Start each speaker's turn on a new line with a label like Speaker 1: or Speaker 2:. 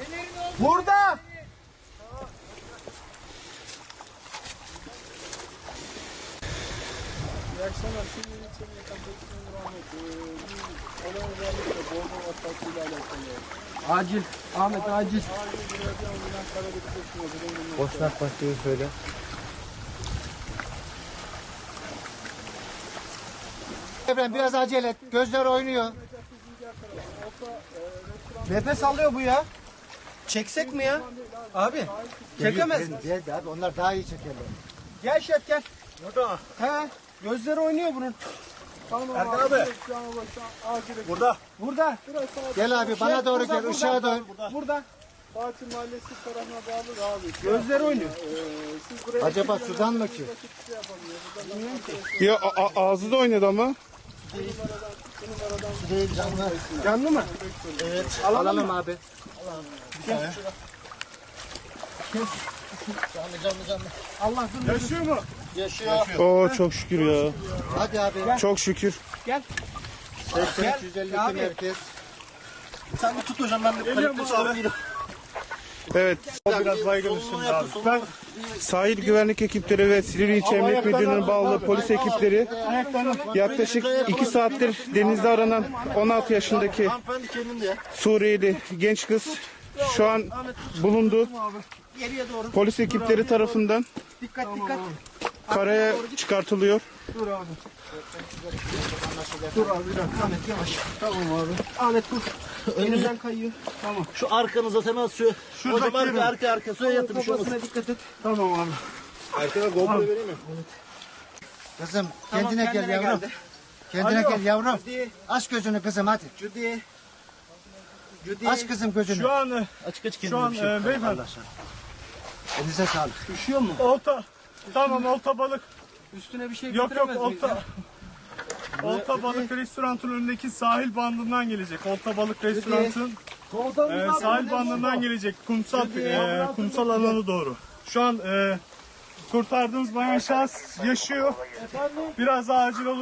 Speaker 1: Burada.
Speaker 2: İyi akşamlar. Şimdi ilçenin yakınlaştığım rahmet. Olay özellikle Bolu Vataklı'yla alakalı.
Speaker 1: Acil. Ahmet acil.
Speaker 2: Acil bir yerde ambulans talep edeceksiniz.
Speaker 1: Boşnak başlıyor şöyle. Efendim biraz acele et. Gözler oynuyor. Nefes alıyor bu ya. Çeksek mi ya? Abi. Çekemez mi? Geldi abi. Onlar daha iyi çekerler. Gel Şef gel.
Speaker 2: Burada.
Speaker 1: He. Gözleri oynuyor bunun.
Speaker 2: Tamam
Speaker 1: Erkan abi.
Speaker 2: Burada.
Speaker 1: Burada. Gel abi bana doğru gel. Işığa dön. Burada.
Speaker 2: Fatih Mahallesi tarafına bağlı abi.
Speaker 1: Gözleri oynuyor.
Speaker 2: Siz buraya
Speaker 1: Acaba sudan mı ki?
Speaker 3: Ya ağzı da oynadı ama.
Speaker 1: Değil canlı.
Speaker 3: Canlı mı?
Speaker 1: Evet. Alalım abi. Canlı. Allah dur.
Speaker 2: Yaşıyor mu?
Speaker 1: Yaşıyor.
Speaker 3: Oo çok şükür ya.
Speaker 1: Hadi abi.
Speaker 3: Çok şükür.
Speaker 1: Gel. 152
Speaker 3: Abi.
Speaker 1: merkez. Sen bir tut hocam ben de panikle çağırayım.
Speaker 3: Evet.
Speaker 2: O biraz baygın üstünde abi. Ben
Speaker 3: Sahil güvenlik ekipleri ve Silivri İlçe Emniyet Müdürlüğü'ne bağlı polis ekipleri yaklaşık 2 saattir denizde aranan 16 yaşındaki
Speaker 1: Hanımefendi kendinde ya.
Speaker 3: Suriyeli genç kız şu an bulundu.
Speaker 1: Geriye doğru.
Speaker 3: Polis ekipleri tarafından
Speaker 1: Dikkat.
Speaker 3: karaya çıkartılıyor.
Speaker 1: Dur abi. Dur abi bir dakika. Ahmet yavaş. Tamam abi. Ahmet dur. Önümden kayıyor. Tamam.
Speaker 4: Şu arkanıza temas şu. Hocam arka suya yatın bir şey olmasın.
Speaker 1: Kafasına dikkat et.
Speaker 2: tamam abi.
Speaker 3: Arkada GoPro vereyim mi?
Speaker 1: Kızım Tamam, kendine gel kendine yavrum. geldi. Kendine
Speaker 2: Alo.
Speaker 1: gel yavrum.
Speaker 2: Hadi.
Speaker 1: Aç gözünü kızım hadi.
Speaker 2: Judy.
Speaker 1: Aç kızım gözünü.
Speaker 2: Şu an
Speaker 4: Açık
Speaker 2: şu an beyefendi.
Speaker 1: Elinize sağlık.
Speaker 2: Üşüyor mu? Olta. Tamam olta balık.
Speaker 1: Üstüne bir şey
Speaker 2: Yok olta. Olta balık restoranının önündeki sahil bandından gelecek. Olta balık restoranının sahil bandından gelecek. Kumsal alanı doğru. Şu an kurtardığımız bayan şahıs yaşıyor. Biraz acil olur.